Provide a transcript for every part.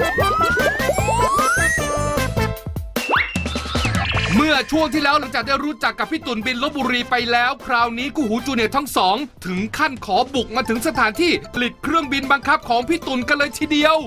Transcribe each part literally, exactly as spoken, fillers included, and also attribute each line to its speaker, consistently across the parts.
Speaker 1: เมื่อช่วงที่แล้วหลังจากได้รู้จักกับพี่ตุ่นบินลพบุรีไปแล้วคราวนี้คู่หูจูเนียร์ทั้งสองถึงขั้นขอบุกมาถึงสถานที่ผลิตเครื่องบินบังคับของพี่ตุ่นกันเลยทีเดียว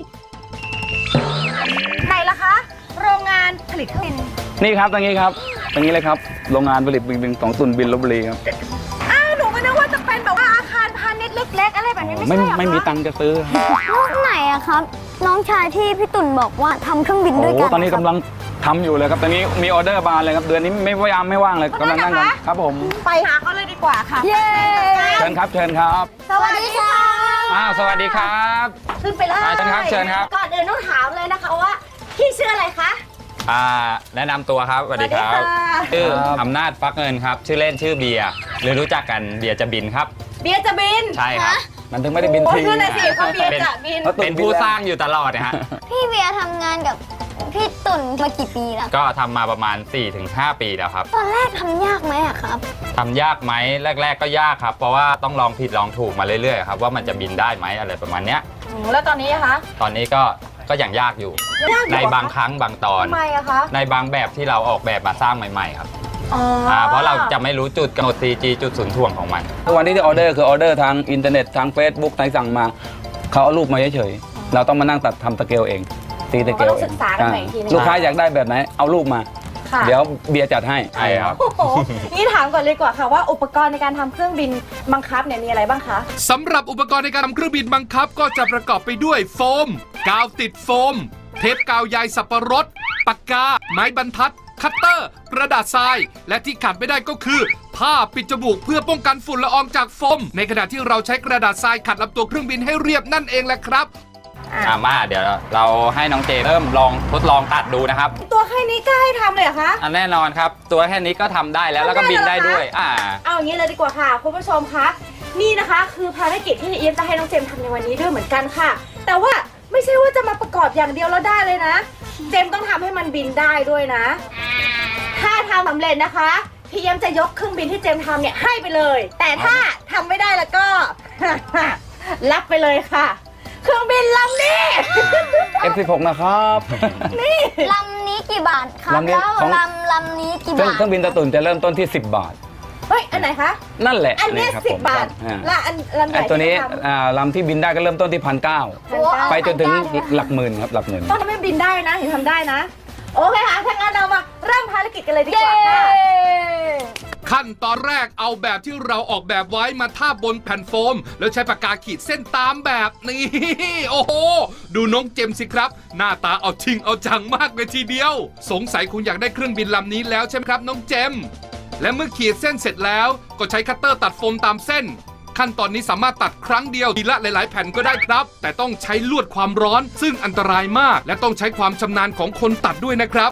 Speaker 2: ไหนล่ะคะโรงงานผลิตเครื่องบิน
Speaker 3: นี่ครับตรงนี้ครับตรงนี้เลยครับโรงงานผลิตบินของตุ่นบินลพบุรีครับ
Speaker 2: อ้าวหนูก็นึกว่าจะเป็นแบบว่าอาคารพาณิชย์เล็กๆอะไรแบบนี้ไม่ใช่หรอคะ
Speaker 3: ไม่มีตังค์จะซื้อ
Speaker 4: รุ่นไหนอะครับน้องชายที่พี่ตุ่นบอกว่าทำเครื่องบินด้วยกัน
Speaker 3: ตอนนี้กำลังทำอยู่เลยครับตอนนี้มีออเดอร์บานเลยครับเดือนนี้ไม่ว่างไม่ว่างเลยกำลังนั่งกันครับผม
Speaker 2: ไปหาเขาเลยดีกว่าค่ะ
Speaker 4: เย้
Speaker 3: เชิญครับเชิญครับ
Speaker 2: สวัสดีค่ะ
Speaker 3: อ้าวสวัสดีครับ
Speaker 2: ขึ้นไปเลย
Speaker 3: เชิญครับเชิญครับ
Speaker 2: ก่อนอื่นต้องถามเลยนะคะว่าพี่ชื่ออะไรคะ
Speaker 5: อ่าแนะนำตัวครับสวัสดีครับชื่ออำนาจฟักเงินครับชื่อเล่นชื่อเบียร์หรือรู้จักกันเบียร์จะบินครับ
Speaker 2: เบียร์จะบิน
Speaker 5: ใช่ครับ
Speaker 3: มันถึงไม่ได้บินที
Speaker 2: คือในสิเขาเบียร์จะบิน
Speaker 5: เป็นผู้สร้างอยู่ตลอดนะฮะ
Speaker 4: พี่เบียร์ทำงานกับพี่ตุ่นมากี่ปีแล้ว
Speaker 5: ก็ทำมาประมาณ สี่ถึงห้า ปีแล้วครับ
Speaker 4: ตอนแรกทำยากไหมอะครับ
Speaker 5: ทำยากไหมแรกๆก็ยากครับเพราะว่าต้องลองผิดลองถูกมาเรื่อยๆครับว่ามันจะบินได้ไหมอะไรประมาณเนี้ย
Speaker 2: แล้วตอนนี้คะ
Speaker 5: ตอนนี้ก็ก็ยังยากอยู่ในบางครั้งบางตอน
Speaker 2: ทำไมอะคะ
Speaker 5: ในบางแบบที่เราออกแบบมาสร้างใหม่ๆครับอ่าเพราะเราจะไม่รู้จุดกำหนด ซี จี จุดศูนย์ถ่วงของมัน
Speaker 3: วันนี้ที่ออเดอร์คือออเดอร์ทางอินเทอร์เน็ตทาง Facebook ทางสั่งมาเขาเอารูปมาเฉยๆเราต้องมานั่งตัดทำตะเกียงเองตีตะเกียงเองลูกค้าอยากได้แบบไหนเอารูปมาเดี๋ยวเบียร์จัดให้
Speaker 5: ใช่ครับ
Speaker 2: นี่ถามก่อนเลยกว่าค่ะว่าอุปกรณ์ในการทำเครื่องบินบังคับเนี่ยมีอะไรบ้างคะ
Speaker 1: สำหรับอุปกรณ์ในการทำเครื่องบินบังคับก็จะประกอบไปด้วยโฟมกาวติดโฟมเทปกาวใยสับปะรดปากกาไม้บรรทัดคัตเตอร์กระดาษทรายและที่ขาดไม่ได้ก็คือผ้าปิดจมูกเพื่อป้องกันฝุ่นละอองจากโฟมในขณะที่เราใช้กระดาษทรายขัดลำตัวเครื่องบินให้เรียบนั่นเองแหละครับ
Speaker 5: อ่ามาเดี๋ยวเราให้น้องเจเริ่มลองทดลองตัดดูนะครับ
Speaker 2: ตัวแค่นี้ก็ให้ทำเลยเหรอคะ
Speaker 5: อันแน่นอนครับตัวแค่นี้ก็ทำได้แล้วแล้วก็บินได้ด้วยอ่า
Speaker 2: เอาอย่างนี้เลยดีกว่าค่ะคุณผู้ชมคะนี่นะคะคือภารกิจที่เอี๊ยมจะให้น้องเจมทำในวันนี้ด้วยเหมือนกันค่ะแต่ว่าไม่ใช่ว่าจะมาประกอบอย่างเดียวแล้วได้เลยนะเจมต้องทำให้มันบินได้ด้วยนะถ้าทำสำเร็จนะคะพี่เอี๊ยมจะยกเครื่องบินที่เจมทำเนี่ยให้ไปเลยแต่ถ้าทำไม่ได้แล้วก็ รับไปเลยค่ะเครื่องบินลำนี้
Speaker 3: เอฟ สิบหก นะครับ
Speaker 2: นี่
Speaker 4: ลำนี้กี่บาทครับแล้วลำลำนี้กี่บาท
Speaker 3: เครื่องบินตะตุ่นจะเริ่มต้นที่สิบบาท
Speaker 2: เฮ้ยอันไหนคะ
Speaker 3: นั่นแหละ
Speaker 2: อันนี้สิบบาทและอันลำใหญ่
Speaker 3: ตัวนี้ลำที่บินได้ก็เริ่มต้นที่พันเก้าไปจนถึงหลักหมื่นครับหลักหมื่น
Speaker 2: ต้องทำให้บินได้นะถึงทำได้นะโอเคค่ะถ้างั้นเรามาเริ่มภารกิจกันเลยดีกว่าค่ะ
Speaker 1: ขั้นตอนแรกเอาแบบที่เราออกแบบไว้มาทาบบนแผ่นโฟมแล้วใช้ปากกาขีดเส้นตามแบบนี้โอ้โหดูน้องเจมสิครับหน้าตาเอาจริงเอาจังมากเลยทีเดียวสงสัยคุณอยากได้เครื่องบินลำนี้แล้วใช่ไหมครับน้องเจมและเมื่อขีดเส้นเสร็จแล้วก็ใช้คัตเตอร์ตัดโฟมตามเส้นขั้นตอนนี้สามารถตัดครั้งเดียวทีละหลายๆแผ่นก็ได้ครับแต่ต้องใช้ลวดความร้อนซึ่งอันตรายมากและต้องใช้ความชำนาญของคนตัดด้วยนะครับ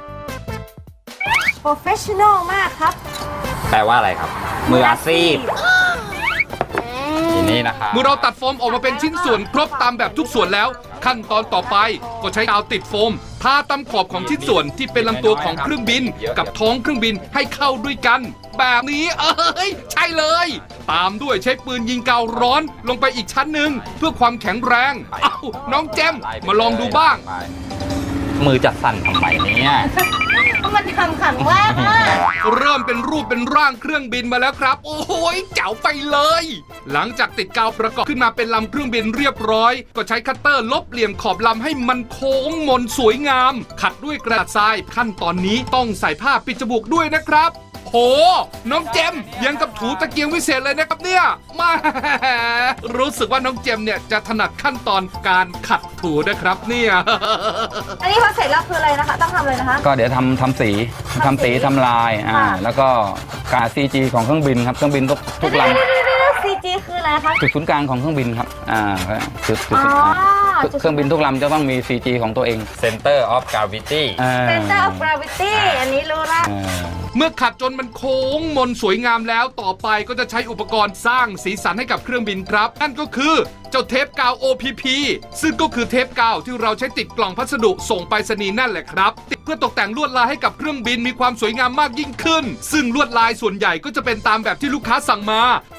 Speaker 2: professional มากครับ
Speaker 5: แปลว่าอะไรครับมืออาชีพทีนี้นะครับ
Speaker 1: เมื่อเราตัดโฟมออกมาเป็นชิ้นส่วนครบตามแบบทุกส่วนแล้วขั้นตอนต่อไปก็ใช้กาวติดโฟมทาตามขอบของชิ้นส่วนที่เป็นลำตัวของเครื่องบินกับท้องเครื่องบินให้เข้าด้วยกันแบบนี้เอ้ยใช่เลยตามด้วยใช้ปืนยิงกาวร้อนลงไปอีกชั้นหนึ่งเพื่อความแข็งแรงเอ้าน้องเจมมาลองดูบ้าง
Speaker 5: มือจะสั่นทำไมเนี่ย
Speaker 2: มันทำขังแรกมาก
Speaker 1: เริ่มเป็นรูปเป็นร่างเครื่องบินมาแล้วครับโอ้โหเจ๋วไปเลยหลังจากติดกาวประกอบขึ้นมาเป็นลำเครื่องบินเรียบร้อยก็ใช้คัตเตอร์ลบเหลี่ยมขอบลำให้มันโค้งมนสวยงามขัดด้วยกระดาษทรายขั้นตอนนี้ต้องใส่ผ้าปิดจมูกด้วยนะครับโหน้องเจมยังกับถูตะเกียงวิเศษเลยนะครับเนี่ยมารู้สึกว่าน้องเจมเนี่ยจะถนัดขั้นตอนการขัดถูนะครับเนี่ย
Speaker 2: อันนี้พอเสร็จแล้วคืออะไรนะคะต้องทำอะไรนะคะ
Speaker 3: ก็เดี๋ยวทำทำสีทำสีทำลายอ่าแล้วก็การ ซี จี ของเครื่องบินครับเครื่องบินทุกทุกลำ
Speaker 2: ซี จี คืออะไรคะ
Speaker 3: จุดศูนย์กลางของเครื่องบินครับอ่าจุดจุดเครื่องบินทุกลำจะต้องมี ซี จี ของตัวเอง
Speaker 5: Center of Gravity
Speaker 2: Center of Gravity อันนี้รู้ละ
Speaker 1: เมื่อขัดจนมันโค้งมนสวยงามแล้วต่อไปก็จะใช้อุปกรณ์สร้างสีสันให้กับเครื่องบินครับนั่นก็คือเจ้าเทปกาว โอ พี พี ซึ่งก็คือเทปกาวที่เราใช้ติดกล่องพัสดุส่งไปรษณีย์นั่นแหละครับติดเพื่อตกแต่งลวดลายให้กับเครื่องบินมีความสวยงามมากยิ่งขึ้นซึ่งลวดลายส่วนใหญ่ก็จะเป็นตามแบบที่ลูกค้าสั่งมา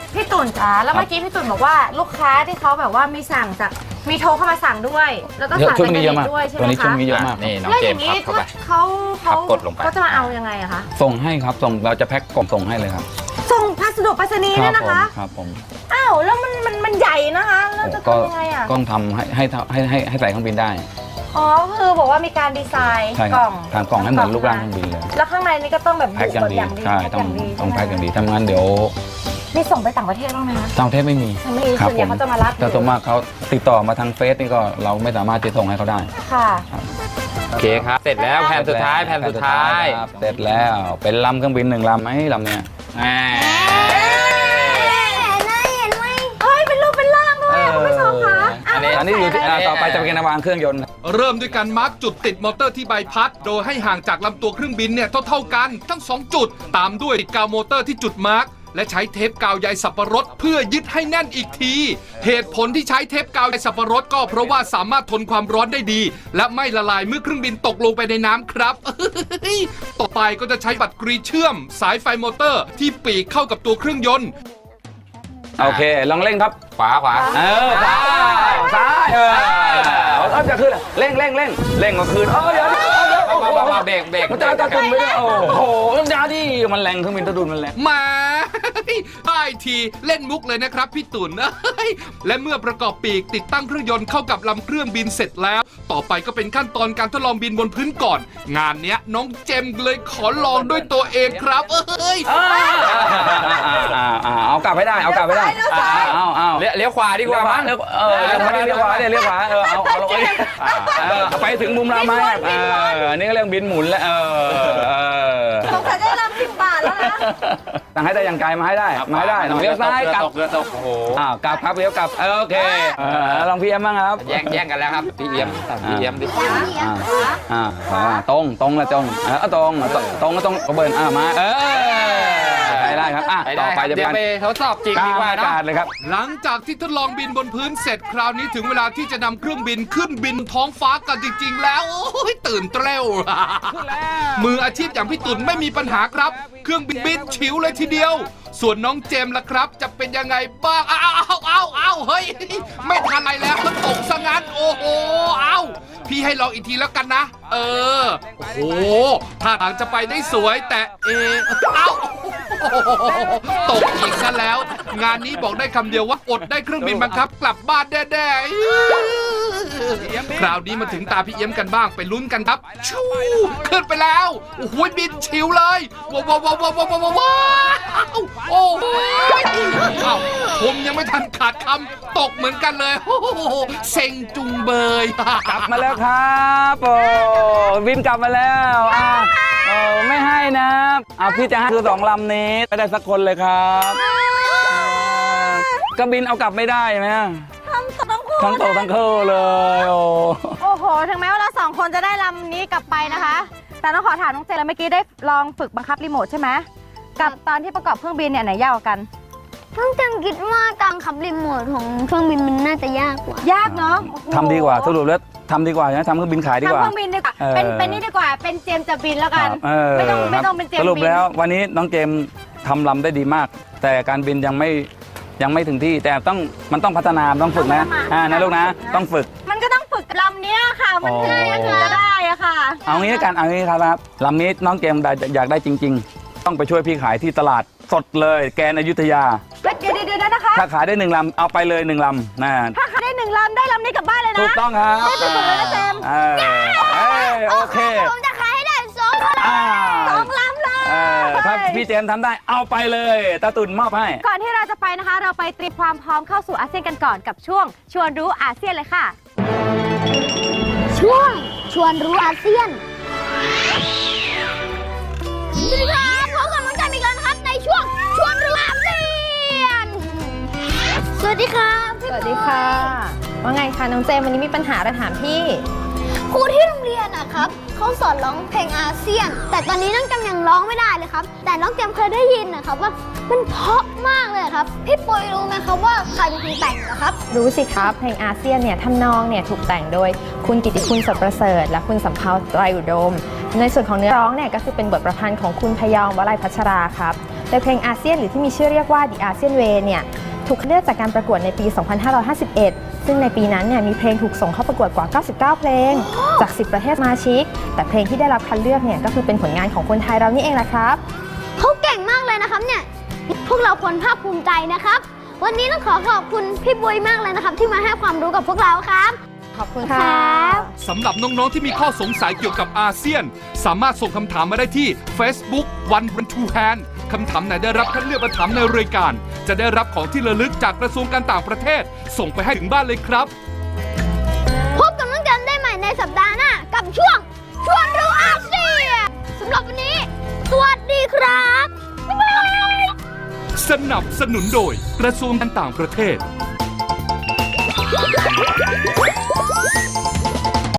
Speaker 2: พี่ตุ่นจ้าแล้วเมื่อกี้พี่ตุ่นบอกว่าลูกค้าที่เขาแบบว่ามีสั่งจากมีโทรเข้ามาสั่งด้วย แล้วก็
Speaker 3: เยอะ
Speaker 2: สั่ง
Speaker 3: ช่วง
Speaker 2: จาก
Speaker 3: นี้
Speaker 2: เน็
Speaker 3: เยอะมาก
Speaker 2: ตด้วยใช่ไห
Speaker 3: ตัว
Speaker 2: ม
Speaker 3: นี้ช่ว
Speaker 2: คะ
Speaker 3: งนี้เยอะมาก
Speaker 5: นี่น้อง
Speaker 2: แล้ว
Speaker 5: เจ
Speaker 2: อ
Speaker 5: ม
Speaker 2: ย่าง
Speaker 5: ส์
Speaker 2: นี้
Speaker 5: พับเข้าไป
Speaker 2: เขาเขา
Speaker 5: พับกดลงไป
Speaker 2: เขาจะมาเอายังไงอะคะ
Speaker 3: ส่งให้ครับส่งเราจะแพ็คกล่องส่งให้เลยครับ
Speaker 2: ส่งพัสดุไปรษณีย์เนี่ยนะคะ
Speaker 3: ครับผม
Speaker 2: อ้าวแล้วมันมันมันใหญ่นะคะแล้วจะ
Speaker 3: ก็
Speaker 2: ทำยังไงอะ
Speaker 3: ต้องทำให้ให้ให้ให้ให้ใส่เครื่องบินได้
Speaker 2: อ๋อคือบอกว่ามีการดีไซน์
Speaker 3: ใช่ค
Speaker 2: ก
Speaker 3: รั
Speaker 2: ล่
Speaker 3: บ
Speaker 2: อง
Speaker 3: ทางกล่องให้เหมือนรูปร่างเครื่องบินเลย
Speaker 2: แล้วข้างในนี่ก็ต้องแบบ
Speaker 3: แพ็คอย่างดี
Speaker 2: อย่างดี
Speaker 3: ใช่ต้อง
Speaker 2: แพ็คย่าดี
Speaker 3: ต้องแพ็คอย่างดีทำงานเดี๋ยว
Speaker 2: นี่ส่งไปต่างประเทศบ้างไหมคะ
Speaker 3: ต่างประเทศไม่มี
Speaker 2: ไม่มี
Speaker 3: ครับ
Speaker 2: ส่วนใหญ่เขาจะมารับ
Speaker 3: แต่ส่วนมากเขาติดต่อมาทางเฟซนี่ก็เราไม่สามารถจะส่งให้เขาได้
Speaker 2: ค่ะ
Speaker 5: โอเคครับ เสร็จแล้วแผ่นสุดท้ายแผ่นสุดท้าย
Speaker 3: ครับเสร็จแล้วเป็นลำเครื่องบินหนึ่งลำไหมลำเนี้ย
Speaker 5: แหม
Speaker 2: เฮ้ยเป็นรูปเป็นร่างด้วยอะคุณผู้ชมคะ
Speaker 5: อันนี้
Speaker 3: อันนี้อยู่ที่อ่าต่อไปจะเป็นวางเครื่องยนต์
Speaker 1: เริ่มด้วยการมาร์กจุดติดมอเตอร์ที่ใบพัด โดยให้ห่างจากลำตัวเครื่องบินเนี่ยเท่าๆกันทั้งสองจุด ตามด้วยติดกาวมอเตอร์ที่จุดมาร์กและใช้เทปกาวใยสับปะรดเพื่อยึดให้แน่นอีกที เหตุผลที่ใช้เทปกาวใยสับปะรดก็เพราะว่าสามารถทนความร้อนได้ดี และไม่ละลายเมื่อเครื่องบินตกลงไปในน้ำครับ ต่อไปก็จะใช้บัตรกรีเชื่อม สายไฟมอเตอร์ที่ปีกเข้ากับตัวเครื่องยนต์
Speaker 3: โอเคลองเร่งครับ
Speaker 5: ขวาขวา
Speaker 3: เออซ้ายซ้ายเออเอาจะขึ้นเร่งเร่งเร่งเร่งก็คืนเออเดี๋ยวเดี๋ยวเดี๋ยวโอ้โห
Speaker 5: เบาๆเบรกเบรก
Speaker 3: มันจะกระตุ้นไม่ได้โอ้โหมันยาดิมันแรงเครื่องบินตะดุนมันแรง
Speaker 1: มา ได้ทีเล่นมุกเลยนะครับพี่ตุ่น และเมื่อประกอบปีกติดตั้งเครื่องยนต์เข้ากับลำเครื่องบินเสร็จแล้ว ต่อไปก็เป็นขั้นตอนการทดลองบินบนพื้นก่อน งานเนี้ยน้องเจมส์เลยขอลองด้วยตัวเองครับเอ้ย
Speaker 3: เอากลับให้ได้เอากลับให้ได้เอาเอา
Speaker 5: เลี้ยวเลี้ยวขวาดีกว่ามั้ง
Speaker 3: เลี้ยวเออเลี้ยวขวาเลี้ยวขวาเลี้ยวขวาเออเอาเอาลงไปไปถึงมุมเราไหมเอออันนี้ก็เรียกบินหมุนแล้วเออ
Speaker 2: สงสัยได้รับสิบบาทแล้วนะ
Speaker 3: ตั้งให้ได้ยังไกลมาให้ได้มาให้ได้เลี้ยวซ้ายกลับ
Speaker 5: เรือตกโอ้โห
Speaker 3: อ้าวกลับครับเลี้ยวกลับโอเคลองพีเอ็มบ้างครับ
Speaker 5: แย่งแย่งกันแล้วครับพี่เอี้ยมพี่เอี้ยมดิ
Speaker 3: อ่าตรงตรงละตรงเออตรงตรงก็ตรงก็เบิร์นอ่ามาเออได้ครับอ่ะต่อไปจะ
Speaker 5: เดี๋ยวไปทดสอบจริงดีกว่า
Speaker 3: อ
Speaker 5: เนาะ
Speaker 3: กาศเลยครับ
Speaker 1: หลังจากที่ทดลองบินบนพื้นเสร็จคราวนี้ถึงเวลาที่จะนำเครื่องบินขึ้นบินท้องฟ้ากันจริงๆ แล้วโอ้ยตื่นเต้นมืออาชีพอย่างพี่ตุ่นไม่มีปัญหาครับ เครื่องบินบินฉิวเลยทีเดียว ส่วนน้องเจมส์ล่ะครับ จะเป็นยังไงบ้างอ้าวอ้าวอ้าวอ้าวเฮ้ยไม่ทันไรแล้วมันตกซะงั้นโอ้โหอ้าวพี่ให้ลองอีกทีแล้วกันนะ เออโอ้โหท่าทางจะไปได้สวยแต่เอเอ้าตกอีกซะแล้ว งานนี้บอกได้คำเดียวว่าอดได้เครื่องบินบังคับกลับบ้านแน่ๆคราวนี้มาถึงตาพี่เอี้ยมกันบ้างไปลุ้นกันครับชูขึ้นไปแล้วโอ้โหบินชิวเลยว้าวว้าวว้าวว้าวว้าวว้าวโอ้โหเอ้าผมยังไม่ทันขาดคำตกเหมือนกันเลยโอ้โหเซ็งจุงเบย
Speaker 3: กลับมาแล้วครับโอ้บินกลับมาแล้วอ่ะโอ้ไม่ให้นะอ่ะพี่จะให้คือสองลำนี้ไม่ได้สักคนเลยครับก็บินเอากลับไม่ได้ไหม
Speaker 2: ทั้งตกทั้งคู่
Speaker 3: ทั้งโตทั้งคู่เลยโอ้
Speaker 2: โอ้โห ถึงแม้ว่าเราสองคนจะได้ลำนี้กลับไปนะคะ แต่ต้องขอถามน้องเจนแล้วเมื่อกี้ได้ลองฝึกบังคับรีโมทใช่ไหมกับตอนที่ประกอบเครื่องบินเนี่ยไหนยากกว่ากัน
Speaker 4: น้องเจมคิดว่าการขับรีโมทของเครื่องบินมันน่าจะยากกว่าย
Speaker 2: ากเนาะ
Speaker 3: ทำดีกว่าสรุปแล้วทำดีกว่านะทำเครื่องบินขายดี
Speaker 2: ทำ
Speaker 3: กว่า
Speaker 2: เครื่องบินดีกว่า
Speaker 3: เออ
Speaker 2: เป็นเป็นนี่ดีกว่า เป็นเจมส์จะบินแล้วกัน
Speaker 3: เออ
Speaker 2: ไม่ต้องไม่ต้อง
Speaker 3: ครับ
Speaker 2: เป็นเจมส์
Speaker 3: สรุป
Speaker 2: บิน
Speaker 3: แล้ววันนี้น้องเจมส์ทำลำได้ดีมาก แต่การบินยังไม่ยังไม่ถึงที่แต่ต้องมันต้องพัฒนาต้องฝึกนะอ่านะลูกนะต้องฝึก
Speaker 2: มันก็ต้องฝึกลำเนี้ยค่ะ มันถึงจะได้อะค่ะ
Speaker 3: เอางี้แล้วกันเอางี้ครับลำนี้น้องเจมส์ได้อยากได้จริง ๆ ต้องไปช่วยพี่ขายที่ตลาดสดเลยแกนอยุธยา
Speaker 2: เดี๋ยวเดี๋ยวเดี๋ยวนะคะ
Speaker 3: ถ้าขายได้หนึ่งลำเอาไปเลยหนึ่งลำนะ
Speaker 2: ถ้าขายได้หนึ่งลำได้ลำนี้กลับบ้านเลยนะ
Speaker 3: ถูกต้องครับ
Speaker 2: ได้ไปเลยนะเจมส์
Speaker 3: เออเอ้ยโอเค
Speaker 4: ผมจะขายให้ได้สองคน
Speaker 3: อ่า
Speaker 2: สองลำเลย
Speaker 3: เออถ้าพี่เจมส์ทำได้เอาไปเลยตาตุ่นมอบให้
Speaker 2: ก่อนที่เราจะไปนะคะ เราไปเตรียมความพร้อมเข้าสู่อาเซียนกันก่อนกับช่วงชวนรู้อาเซียนเลยค่ะ
Speaker 4: ช่วงชวนรู้อาเซียนสวัสดีครับพบกับน้องจันอีกแล้วนะครับในช่วงชวนรู้อาเซียนสวัสดีครับ
Speaker 2: สวัสดีค่ะ ว่าไงคะน้องเจมส์วันนี้มีปัญหาอะไรถามพี่
Speaker 4: ครูที่โรงเรียนนะครับเขาสอนร้องเพลงอาเซียน แต่ตอนนี้น้องจำยังร้องไม่ได้เลยครับ แต่น้องจำเคยได้ยินนะครับว่ามันเพราะมากเลยครับพี่ปุยรู้ไหมครับว่าใครเป็นคนแต่งเหรอครับ
Speaker 6: รู้สิครับเพลงอาเซียนเนี่ยทำนองเนี่ยถูกแต่งโดยคุณกิตติคุณสดประเสริฐและคุณสำเภาไตรอุดม ในส่วนของเนื้อร้องเนี่ยก็คือเป็นบทประพันธ์ของคุณพยอมวลัยพัชราครับโดยเพลงอาเซียนหรือที่มีชื่อเรียกว่า The ASEAN Way เนี่ยถูกคัดเลือกจากการประกวดในปี สองพันห้าร้อยห้าสิบเอ็ด ซึ่งในปีนั้นเนี่ยมีเพลงถูกส่งเข้าประกวดกว่า เก้าสิบเก้า เพลง จาก สิบ ประเทศสมาชิก แต่เพลงที่ได้รับคัดเลือกเนี่ยก็คือเป็นผลงานของคนไทยเรานี่เองแหละครับ
Speaker 4: เขาเก่งมากเลยนะครับเนี่ย พวกเราควรภาคภูมิใจนะครับ วันนี้ต้องขอขอบคุณพี่บุยมากเลยนะครับ ที่มาให้ความรู้กับพวกเราครับ
Speaker 6: ขอบคุณ
Speaker 4: ค
Speaker 6: ค่ะ
Speaker 4: รับ
Speaker 1: สำหรับน้อง ๆ ที่มีข้อสงสัยเกี่ยวกับอาเซียน สามารถส่งคำถามมาได้ที่ Facebook One One Two Hand คำถามไหนได้รับคัดเลือกมาถามในรายการ จะได้รับของที่ระลึกจากกระทรวงการต่างประเทศ ส่งไปให้ถึงบ้านเลยครับ
Speaker 4: พบกับน้องจันได้ใหม่ในสัปดาห์หน้ากับช่วงชวนรู้อาเซียนสำหรับวันนี้ สวัสดีครับ บ๊ายบาย
Speaker 1: สนับสนุนโดยกระทรวงการต่างประเทศ